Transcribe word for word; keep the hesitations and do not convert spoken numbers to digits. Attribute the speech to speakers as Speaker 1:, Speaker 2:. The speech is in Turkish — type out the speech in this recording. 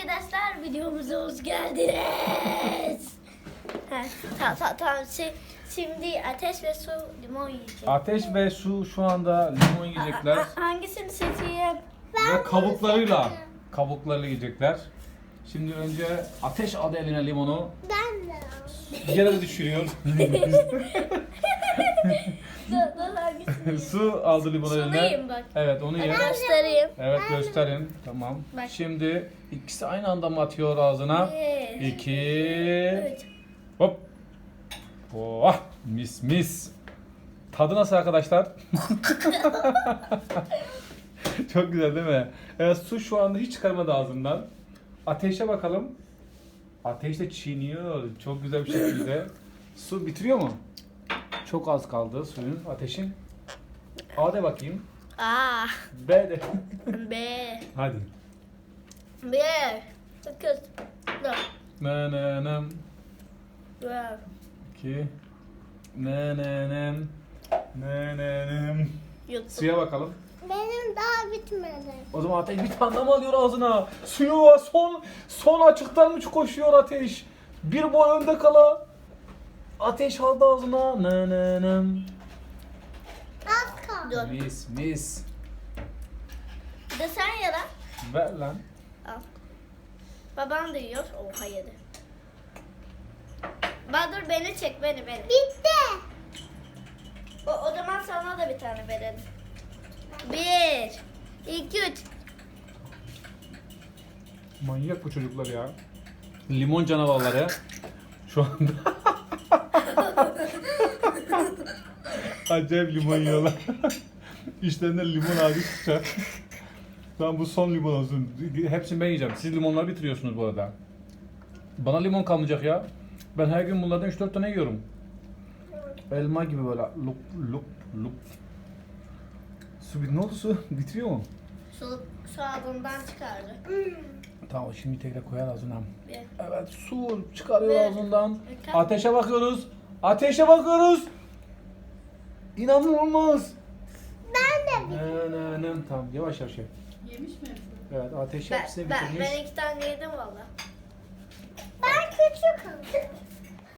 Speaker 1: arkadaşlar, videomuza hoş geldiniz. Ha, tamam tamam tamam. Şi- Şimdi ateş ve su limon yiyeceğiz.
Speaker 2: Ateş ve su şu anda limon yiyecekler.
Speaker 1: A- a- hangisini seçeyim?
Speaker 2: Ve kabuklarıyla kabuklarıyla yiyecekler. Şimdi önce Ateş aldı eline limonu.
Speaker 3: Ben de.
Speaker 2: Yere düşürüyor.
Speaker 1: Dur dur hangisini?
Speaker 2: Su aldı limonu eline.
Speaker 1: Suluyum bak.
Speaker 2: Evet onu ye.
Speaker 1: Göstereyim.
Speaker 2: Evet gösterin. Tamam.
Speaker 1: Bak.
Speaker 2: Şimdi ikisi aynı anda mı atıyor ağzına?
Speaker 1: Bir,
Speaker 2: İki.
Speaker 1: üç.
Speaker 2: Hop. Oh, mis mis. Tadı nasıl arkadaşlar? Çok güzel değil mi? Evet, su şu anda hiç çıkarmadı ağzından. Ateşe bakalım. Ateş de çiğniyor. Çok güzel bir şekilde. Su bitiriyor mu? Çok az kaldı suyun, ateşin. A de bakayım.
Speaker 1: A,
Speaker 2: B de.
Speaker 1: B,
Speaker 2: Hadi.
Speaker 1: bir, sekiz, dört,
Speaker 2: Ne ne ne.
Speaker 1: dört.
Speaker 2: İki. Ne ne ne. Ne ne ne.
Speaker 1: Yuttum.
Speaker 2: Suya bakalım.
Speaker 3: Benim daha bitmedi.
Speaker 2: O zaman Ateş bir tane daha mı alıyor ağzına? Suyu var, son son açıktan mı koşuyor Ateş? Bir boy önde kala. Ateş aldı ağzına. Ne ne ne.
Speaker 3: Az kaldı.
Speaker 1: Dur.
Speaker 2: Mis mis.
Speaker 1: Bir de sen ya da.
Speaker 2: Ver lan.
Speaker 1: Al. Babam da yiyor. Oha yedi. Badur beni çek, beni beni.
Speaker 3: Bitti.
Speaker 1: O, o zaman sana da bir tane verelim. Bir, iki, üç.
Speaker 2: Manyak bu çocuklar ya. Limon canavarları. Şu anda. Acayip limon yiyorlar. İşlerinden limon ağacı çıkacak. Tamam bu son limon olsun. Hepsini ben yiyeceğim. Siz limonları bitiriyorsunuz bu arada. Bana limon kalmayacak ya. Ben her gün bunlardan üç dört tane yiyorum. Elma gibi böyle lup lup lup. Su bit ne oldu su? Bitiriyor mu?
Speaker 1: Su, su ağzından çıkardı.
Speaker 2: Tamam şimdi tekrar koyar ağzına.
Speaker 1: Bir.
Speaker 2: Evet su çıkarıyor
Speaker 1: Ve-
Speaker 2: ağzından.
Speaker 1: Ve-
Speaker 2: Ateşe bakıyoruz. Ateşe bakıyoruz. İnanılmaz.
Speaker 3: Ben de.
Speaker 2: Ne ne ne. Tamam yavaş yavaş ye.
Speaker 4: Yemiş mi hepsini?
Speaker 2: Evet ateş
Speaker 1: Ben,
Speaker 2: hepsini
Speaker 1: ben,
Speaker 2: bitirmiş.
Speaker 1: ben iki tane yedim valla.
Speaker 3: Ben küçük aldım.